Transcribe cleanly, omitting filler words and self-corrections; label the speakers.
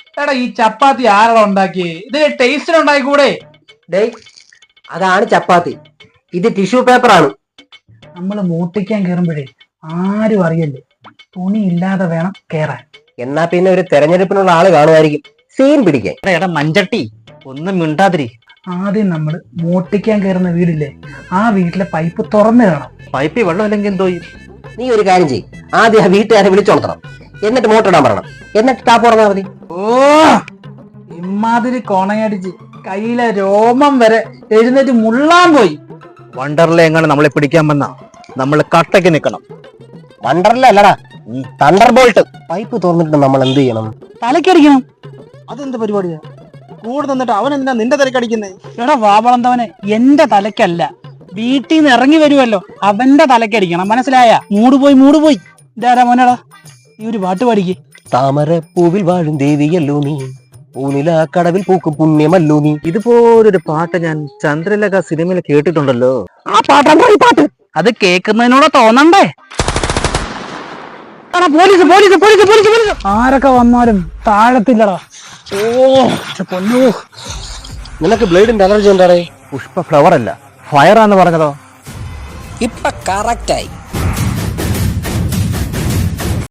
Speaker 1: എടാ ഈ ചപ്പാത്തി ആരാ ഉണ്ടാക്കി? ഇത് ടേസ്റ്റിന് ഉണ്ടായിക്കൂടെ?
Speaker 2: ഡേയ്, അതാണ് ചപ്പാത്തി, ഇത് ടിഷ്യൂ പേപ്പർ ആണ്.
Speaker 1: നമ്മള് മൂട്ടിക്കാൻ കയറുമ്പോഴേ ആരും അറിയല്ലേ, തുണി ഇല്ലാതെ വേണം കേറാൻ.
Speaker 2: എന്നാ പിന്നെ ഒരു തെരഞ്ഞെടുപ്പിനുള്ള ആള് കാണുമായിരിക്കും സീൻ പിടിക്കാൻ.
Speaker 3: എടാ മഞ്ചട്ടി, ഒന്നും മിണ്ടാതിരി.
Speaker 1: ആദ്യം നമ്മള് മൂട്ടിക്കാൻ കയറുന്ന വീടില്ലേ, ആ വീട്ടിലെ പൈപ്പ് തുറന്നു കാണാം.
Speaker 3: പൈപ്പിൽ വെള്ളം അല്ലെങ്കിൽ എന്തോ ചെയ്യും?
Speaker 2: നീ ഒരു കാര്യം ചെയ്യും, ആദ്യം ആ വീട്ടുകാരെ വിളിച്ചോളത്തണം, എന്നിട്ട് മോട്ടർ ഇടാൻ പറയണം, എന്നിട്ട് ടാപ്പ് തുറന്നാൽ മതി.
Speaker 1: ഓ, ഇമാതിരി കോണയടിച്ച് കയ്യിലെ രോമം വരെ എഴുന്നേറ്റ് മുള്ളാൻ പോയി.
Speaker 3: വണ്ടർലെ എങ്ങനെ നമ്മളെ പിടിക്കാൻ വന്ന നമ്മൾ കട്ടയ്ക്ക് നിൽക്കണം.
Speaker 2: വണ്ടർല അല്ലടാ, തണ്ടർ ബോൾട്ട്. പൈപ്പ് തുറന്നിട്ട് നമ്മൾ എന്ത് ചെയ്യണം?
Speaker 1: തലക്കടിക്കണം.
Speaker 3: അതെന്ത് പരിപാടിയാ? കൂടെ നിന്നിട്ട് അവൻ എന്താ നിന്റെ തിരക്കടിക്കുന്നേ?
Speaker 1: എടാ വാവളന്തവനെ, എന്റെ തലക്കല്ല, വീട്ടിൽ നിന്ന് ഇറങ്ങി വരുമല്ലോ അവന്റെ തലക്കടിക്കണം, മനസ്സിലായ? മൂട് പോയി. ഇതാരാ മോനടാ, ഈ ഒരു പാട്ട് പാടിക്ക്.
Speaker 2: താമര പൂവിൽ വാഴും ദേവിയല്ലോ നീ, പൂനില കടവിൽ പൂക്കും പുണ്യമല്ലോ നീ.
Speaker 3: ഇതുപോലൊരു പാട്ട് ഞാൻ ചന്ദ്രലേഖ സിനിമയിൽ കേട്ടിട്ടുണ്ടല്ലോ.
Speaker 1: ആ പാട്ടാ ഈ പാട്ട്. അത് കേൾക്കുന്നതിനോട് തോന്നണ്ടേ? പോലീസ് ആരൊക്കെ വന്നാലും താഴത്തില്ലടാ. ഓ പൊന്നോ,
Speaker 2: നിനക്ക് ബ്ലേഡിന്റെ അലർജി ഉണ്ടാടേ?
Speaker 3: പുഷ്പ ഫ്ലവർ അല്ല, ഫയറാന്ന് പറഞ്ഞതോ?
Speaker 2: ഇപ്പൊ കറക്റ്റായി.